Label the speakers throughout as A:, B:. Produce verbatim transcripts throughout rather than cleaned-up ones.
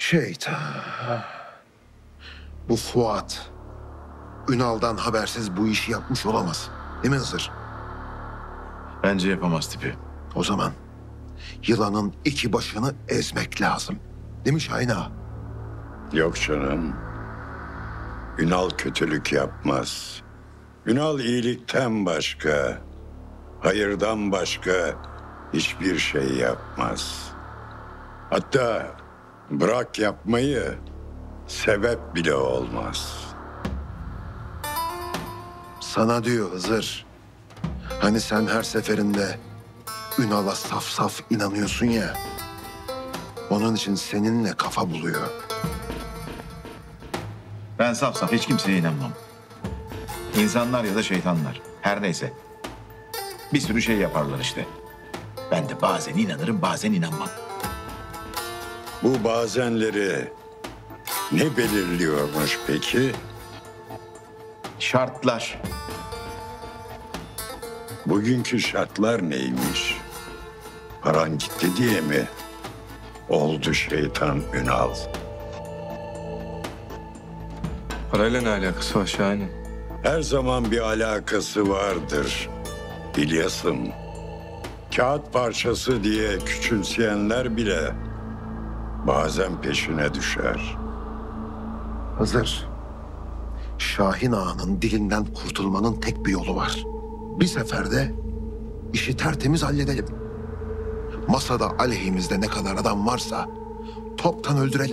A: Şeytan. Bu Fuat Ünal'dan habersiz bu işi yapmış olamaz. Değil mi Hızır?
B: Bence yapamaz tipi.
A: O zaman yılanın iki başını ezmek lazım. Değil mi Şahin ağa?
C: Yok canım. Ünal kötülük yapmaz. Ünal iyilikten başka, hayırdan başka hiçbir şey yapmaz. Hatta bırak yapmayı, sebep bile olmaz.
A: Sana diyor Hızır. Hani sen her seferinde Ünal'a saf saf inanıyorsun ya. Onun için seninle kafa buluyor.
B: Ben saf saf hiç kimseye inanmam. İnsanlar ya da şeytanlar. Her neyse. Bir sürü şey yaparlar işte. Ben de bazen inanırım, bazen inanmam.
C: Bu bazenleri ne belirliyormuş peki?
B: Şartlar.
C: Bugünkü şartlar neymiş? Paran gitti diye mi oldu şeytan Ünal?
D: Parayla ne alakası var Şahin'in?
C: Her zaman bir alakası vardır İlyas'ım. Kağıt parçası diye küçümseyenler bile bazen peşine düşer.
A: Hızır, Şahin ağanın dilinden kurtulmanın tek bir yolu var. Bir seferde işi tertemiz halledelim. Masada aleyhimizde ne kadar adam varsa toptan öldürelim.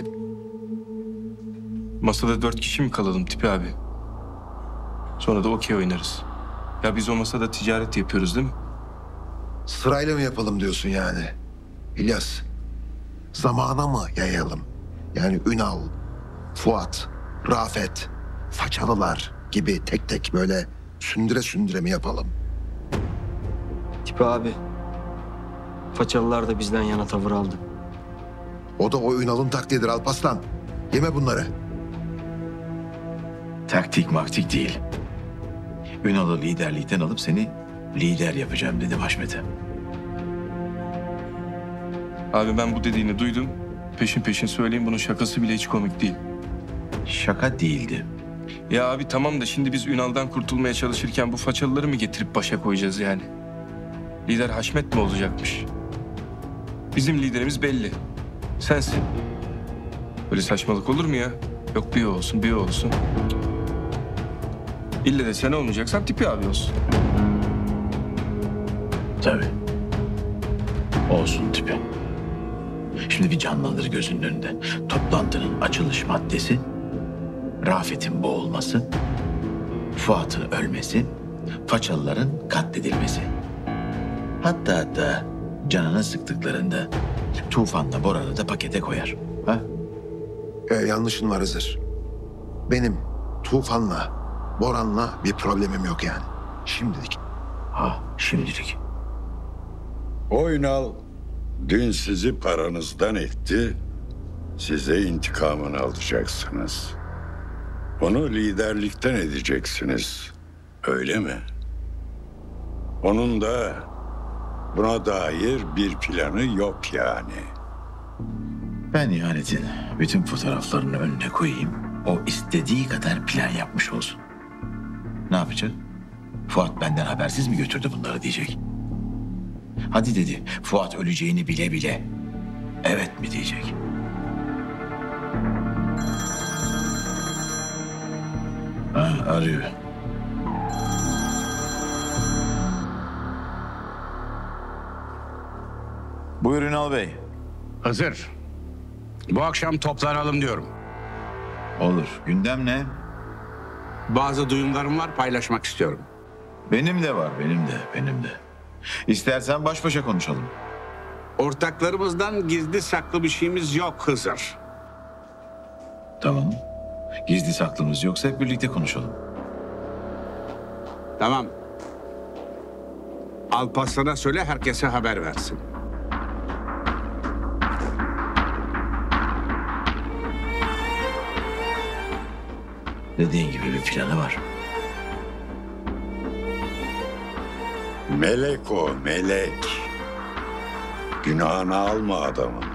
D: Masada dört kişi mi kalalım Tipi abi? Sonra da okey oynarız. Ya biz o masada ticaret yapıyoruz değil mi?
A: Sırayla mı yapalım diyorsun yani? İlyas, zamana mı yayalım? Yani Ünal, Fuat, Rafet, Façalılar gibi tek tek böyle sündüre sündüre mi yapalım?
E: Tipi abi. Façalılar da bizden yana tavır aldı.
A: O da o Ünal'ın taktiğidir Alparslan. Yeme bunları.
B: Taktik maktik değil. Ünal'ı liderlikten alıp seni lider yapacağım dedim Haşmet'e.
D: Abi ben bu dediğini duydum. Peşin peşin söyleyeyim, bunun şakası bile hiç komik değil.
B: Şaka değildi.
D: Ya abi tamam da şimdi biz Ünal'dan kurtulmaya çalışırken bu façalıları mı getirip başa koyacağız yani? Lider Haşmet mi olacakmış? Bizim liderimiz belli. Sensin. Böyle saçmalık olur mu ya? Yok bir o olsun, bir o olsun. İlle de sen olmayacaksan Tipi abi olsun.
B: Tabii. Olsun Tipi. Şimdi bir canlandır gözünün önünde. Toplantının açılış maddesi, Rafet'in boğulması, Fuat'ın ölmesi, Façalıların katledilmesi. Hatta hatta canını sıktıklarında Tufan'la Boran'ı da pakete koyar. Ha?
A: Ee, yanlışın var Hızır. Benim Tufan'la, Boran'la bir problemim yok yani. Şimdilik.
B: Ha, şimdilik.
C: O Ünal dün sizi paranızdan etti, size intikamını alacaksınız. Onu liderlikten edeceksiniz, öyle mi? Onun da buna dair bir planı yok yani.
B: Ben ihanetin bütün fotoğraflarını önüne koyayım. O istediği kadar plan yapmış olsun. Ne yapacak? Fuat benden habersiz mi götürdü bunları diyecek. Hadi dedi, Fuat öleceğini bile bile evet mi diyecek. Ha, arıyor. Buyur Ünal Bey.
F: Hızır, bu akşam toplanalım diyorum.
B: Olur. Gündem ne?
F: Bazı duyumlarım var, paylaşmak istiyorum.
B: Benim de var, benim de, benim de. İstersen baş başa konuşalım.
F: Ortaklarımızdan gizli saklı bir şeyimiz yok Hızır.
B: Tamam. Gizli saklımız yoksa hep birlikte konuşalım.
F: Tamam. Alparslan'a söyle, herkese haber versin.
B: Dediğin gibi bir planı var.
C: Melek o, melek. Günahını alma adamın.